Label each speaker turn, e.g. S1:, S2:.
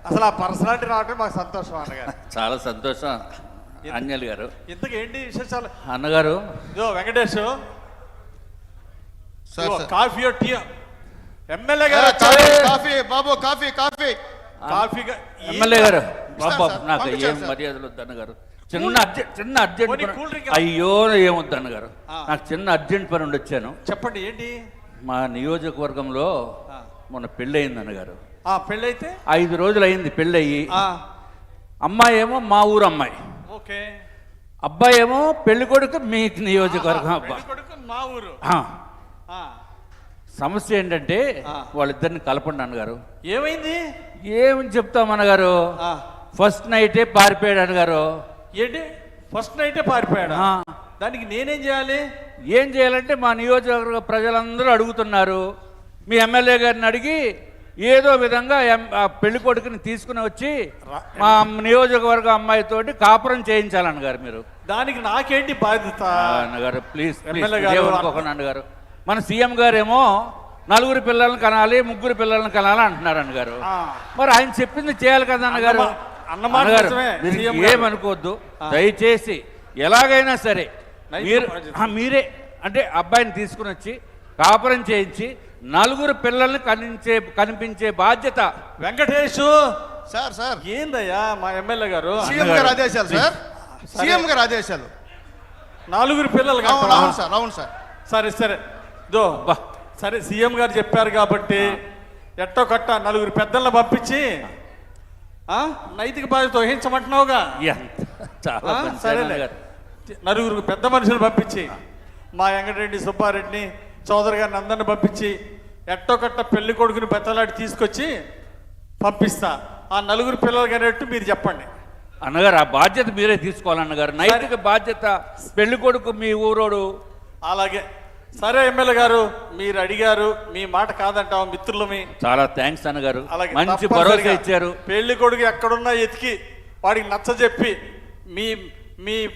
S1: అసలు ఆ పర్సనాలిటీ రావటం మాకు సంతోషం అన్నగారు.
S2: చాలా సంతోషం అంజలి గారు.
S1: ఇంతకు ఏంటి విశేషాలు
S2: అన్నగారు?
S1: ఇదో Venkatesh
S3: sir
S1: coffee tea MLA గారు
S3: కాఫీ బాబు కాఫీ కాఫీ
S1: కాఫీ
S2: ఎమ్మెల్యే గారు బాబు
S3: సార్,
S2: నాకు
S3: పంపించాను
S2: ఏం
S3: సార్.
S2: మర్యాదలు వద్దు అన్నగారు. చిన్న అర్జెంట్
S1: పోనీ
S2: పని.
S1: కూల్ డ్రింక్
S2: అయ్యో ఏమొద్దు అన్నగారు, నాకు చిన్న అర్జెంట్ పని ఉండి వచ్చాను.
S1: చెప్పండి ఏంటి?
S2: మా నియోజకవర్గంలో మొన్న పెళ్ళి అయింది అన్నగారు.
S1: పెళ్ళైతే
S2: 5 రోజులు అయింది పెళ్ళి అయ్యి. అమ్మాయి ఏమో మా ఊరు అమ్మాయి,
S1: ఓకే.
S2: అబ్బాయి ఏమో పెళ్లి కొడుకు మీ నియోజకవర్గం అబ్బాయి.
S1: కొడుకు మా ఊరు.
S2: సమస్య ఏంటంటే వాళ్ళిద్దరిని కలపండి అన్నగారు.
S1: ఏమైంది?
S2: ఏమని చెప్తాం అన్నగారు, ఫస్ట్ నైటే పారిపోయాడు అన్నగారు.
S1: ఏంటి ఫస్ట్ నైటే పారిపోయాడా? దానికి నేనేం చేయాలి?
S2: ఏం చేయాలంటే మా నియోజకవర్గ ప్రజలందరూ అడుగుతున్నారు, మీ ఎమ్మెల్యే గారిని అడిగి ఏదో విధంగా ఆ పెళ్లి కొడుకుని తీసుకుని వచ్చి మా నియోజకవర్గ అమ్మాయితోటి కాపురం చేయించాలన్నగారు మీరు.
S1: దానికి నాకేంటి బాధ్యత?
S2: అన్నగారు ప్లీజ్
S1: అనుకోకండి
S2: అన్నగారు. మన సీఎం గారేమో 4 పిల్లల్ని కనాలి 3 పిల్లల్ని కనాలి అంటున్నారు అన్నగారు. మరి ఆయన చెప్పింది చేయాలి కదా అన్నగారు.
S1: అన్నగారు
S2: ఏమనుకోవద్దు దయచేసి, ఎలాగైనా సరే మీరే అంటే అబ్బాయిని తీసుకుని వచ్చి కాపురం చేయించి 4 పిల్లల్ని కనిపించే బాధ్యత.
S1: వెంకటేష్
S3: సార్ సార్
S1: ఏందయ్యా మా ఎమ్మెల్యే గారు?
S3: సీఎం గారు ఆదేశాలు సార్, సీఎం గారు ఆదేశాలు.
S1: 4 పిల్లలు
S3: అవును సార్, అవును సార్.
S1: సరే సరే సరే సీఎం గారు చెప్పారు కాబట్టి ఎట్టో కట్ట 4 పెద్దలను పంపించి నైతిక బాధ్యత వహించమంటున్నావుగా. సరేలే, 4 పెద్ద మనుషులు పంపించి మా వెంకటరెడ్డి సుబ్బారెడ్డిని చౌదరి గారిని అందరిని పంపించి ఎట్టో కట్ట పెళ్లి కొడుకుని బెత్తలాడి తీసుకొచ్చి పంపిస్తా. ఆ 4 పిల్లలు కనేట్టు మీరు చెప్పండి
S2: అన్నగారు. ఆ బాధ్యత మీరే తీసుకోవాలన్నగారు, నైతిక బాధ్యత. పెళ్లి కొడుకు మీ ఊరోడు.
S1: అలాగే సరే ఎమ్మెల్యే గారు, మీరు అడిగారు, మీ మాట కాదంటాం మిత్రులమి.
S2: చాలా థ్యాంక్స్ అన్నగారు, మంచి భరోసా ఇచ్చారు.
S1: పెళ్లి కొడుకు ఎక్కడున్నా ఎతికి వాడికి నచ్చ చెప్పి మీ మీ